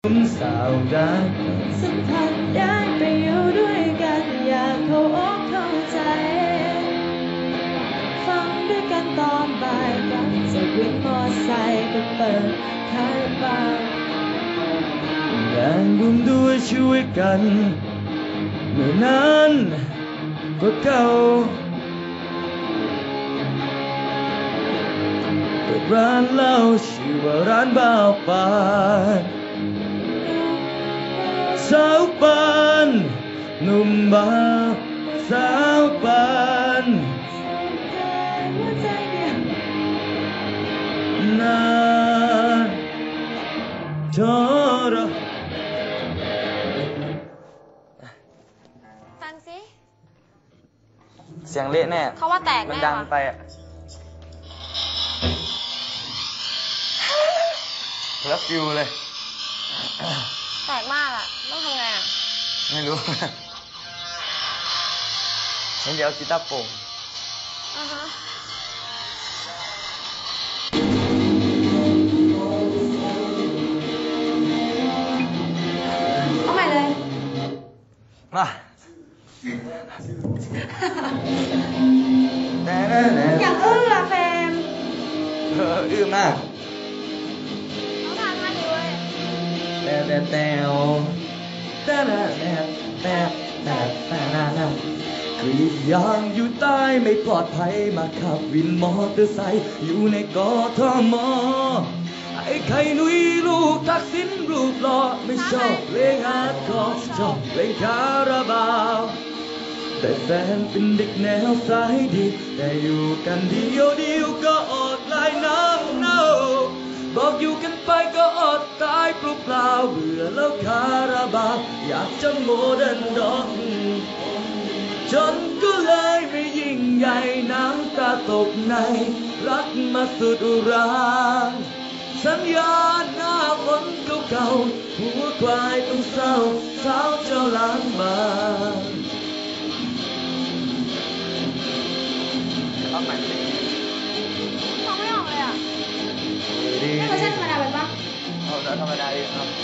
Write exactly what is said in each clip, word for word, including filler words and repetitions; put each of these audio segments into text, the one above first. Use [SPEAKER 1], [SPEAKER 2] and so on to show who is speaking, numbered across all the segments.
[SPEAKER 1] สาวรักสัมผัสได้ไปอยู่ด้วยกันอยากเข้าอกเข้าใจฟังด้วยกันตอนบ่ายกันจากวินมอไซค์ก็เปิดคาราบาวงานบุญด้วยช่วยกันเมื่อนั้นก็เก่าเปิดร้านเหล้าชื่อว่าร้านบ่าวปานสาวปานหนุ่มบ่าวสาวปานนาจอรอ
[SPEAKER 2] ฟังสิ
[SPEAKER 1] เสียงเละแน่
[SPEAKER 2] เขาว่าแตกแน่
[SPEAKER 1] มันดังไปอะแล้วฟิวเลย
[SPEAKER 2] แตกมากอ่ะต้องทำไงอ่ะ
[SPEAKER 1] ไม่รู้งั้นเดี๋ยวกีตาร์โปร่ง
[SPEAKER 2] อ่าฮะเอาใหม่เลย
[SPEAKER 1] มา
[SPEAKER 2] อยากอื้ออะแฟน
[SPEAKER 1] เอออื้อมาก
[SPEAKER 2] ต้องทานท่านี้เว้ย
[SPEAKER 1] แต่แต่แต่แต่แต่แต่แต่แต่แต่กรีดยางอยู่ใต้ไม่ปลอดภัยมาขับวินมอเตอร์ไซค์อยู่ในกทมไอ้ไข่นุ้ยลูกทักษิณรูปหล่อไม่ชอบเพลงฮาร์ดคอร์ชอบเพลงคาราบาวแต่แฟนเป็นเด็กแนวสายดีแต่อยู่กันเดียวเดียวก็อดลายน้ำเน่าบอกอยู่กันไปก็อดตายเปล่าๆเบื่อแล้วคาราบาวอยากจะโมเดิร์นด็อกจนก็เลยไม่ยิ่งใหญ่น้ำตาตกในรักมาสุดอุราสัญญาหน้าฝนเก่าๆหัวควายต้องเศร้าสาวเจ้าล้างบางเอาใหม่สิ
[SPEAKER 2] ฟังไม่ออกเลยอ่ะนี่เขาใช้ธรรมดาไปปะ
[SPEAKER 1] เอาธรรมดาเองครับ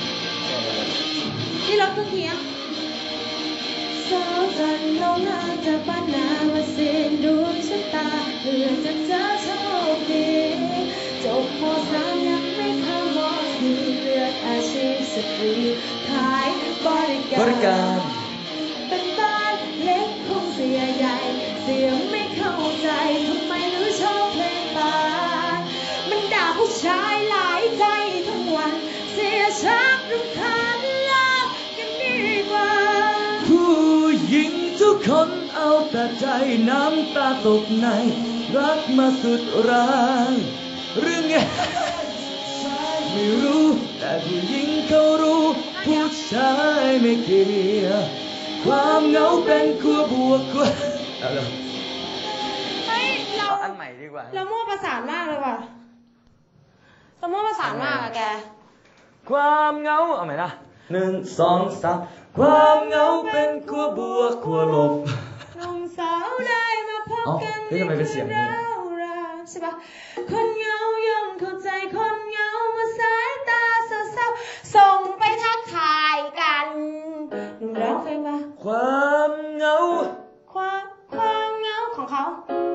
[SPEAKER 2] นี่ลดทุกทีอ่ะสาวจันน้องน่าจะปั้นนามาเส้นดวงชะตาเพื่อจะเจอโชคดีจบม.สามยังไม่เข้าม.สี่เลือกอาชีพสตรีขายบริการ
[SPEAKER 1] บริการ
[SPEAKER 2] เป็นบ้านเล็กคงเสียใหญ่เสียไม่เข้าใจทำไมหรือชอบเพลงบานมันด่าผู้ชายหลายใจทั้งวันเสียชักรำคาญเลิกกันดีกว่า
[SPEAKER 1] ผู้หญิงทุกคนเอาแต่ใจน้ำตาตกในรักมาสุดแรงเรื่องไงไม่รู้แต่ผู้หญิงเขารู้ผู้ชายไม่เกี่ยวความเหงาเป็นขั้วบวกขั้วอะไร
[SPEAKER 2] เฮ้ยเรา
[SPEAKER 1] อันใหม่ดีกว่า
[SPEAKER 2] เรามั่วประสานมากเลยว่ะเรามั่วประสานมากอะแก
[SPEAKER 1] ความเหงาเอาใหม่นะหนึ่งสองสามความเหงาเป็นขั้วบวกขั้วลบ
[SPEAKER 2] หนุ่มสาวได้มาพบกัน
[SPEAKER 1] นี่ทำไมเป็นเสียงนี้
[SPEAKER 2] ใช่ปะคนเหงาย่อมเข้าใจคนเหงาเมื่อสายตาเศร้าๆส่งไปทักทายกันหนูร้องเพลงมา
[SPEAKER 1] ความเหงา
[SPEAKER 2] ความความเหงาของเขา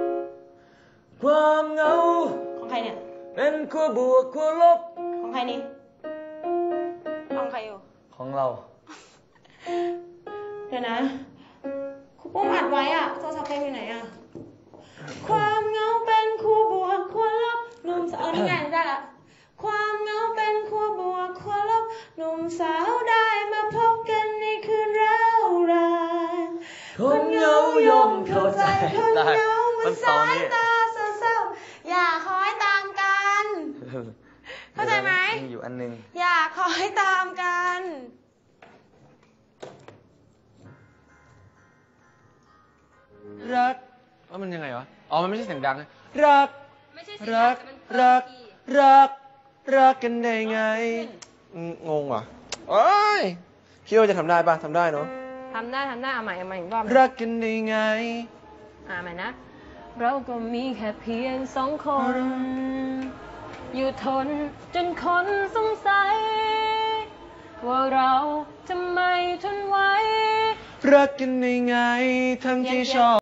[SPEAKER 1] ความเหงา
[SPEAKER 2] ของใครเนี่ย
[SPEAKER 1] เป็นขั้วบวกขั้วลบ
[SPEAKER 2] ของใครนี่ของใครอยู่
[SPEAKER 1] ของเรา
[SPEAKER 2] เดี๋ยวนะครูปุ้มอัดไว้อะโทรศัพท์เพลงอยู่ไหนอะความเหงาเป็นคู่บวกคู่ลบหนุ่มสาวนี่ไงได้ละความเหงาเป็นคู่บวกคู่ลบหนุ่มสาวได้มาพบกันในคืนร้าวราน
[SPEAKER 1] คนเหงาย่อมเข้าใจ
[SPEAKER 2] คนเหงามันสายตาเศร้าๆอย่าคอยตามกันเข้าใจไหม
[SPEAKER 1] มีอยู่อันนึง
[SPEAKER 2] อย่าคอยตามกัน
[SPEAKER 3] รักว่ามันยังไงวะอ๋อมันไม่ใช่เสียงดังนะรักรักรักรักรักกันได้ไงงงว่ะโอ้ยคิดว่าจะทำได้ป่ะทำได้เนาะ
[SPEAKER 2] ทำได้ทำได้เอาใหม่เอาใหม่อีกรอบ
[SPEAKER 3] รักกันได้ไง
[SPEAKER 2] อ่าใหม่นะเราก็มีแค่เพียงสองคน อยู่ทนจนคนสงสัยเราทำไมทนไว้
[SPEAKER 3] รักกันได้ไงทั้งที่ชอบ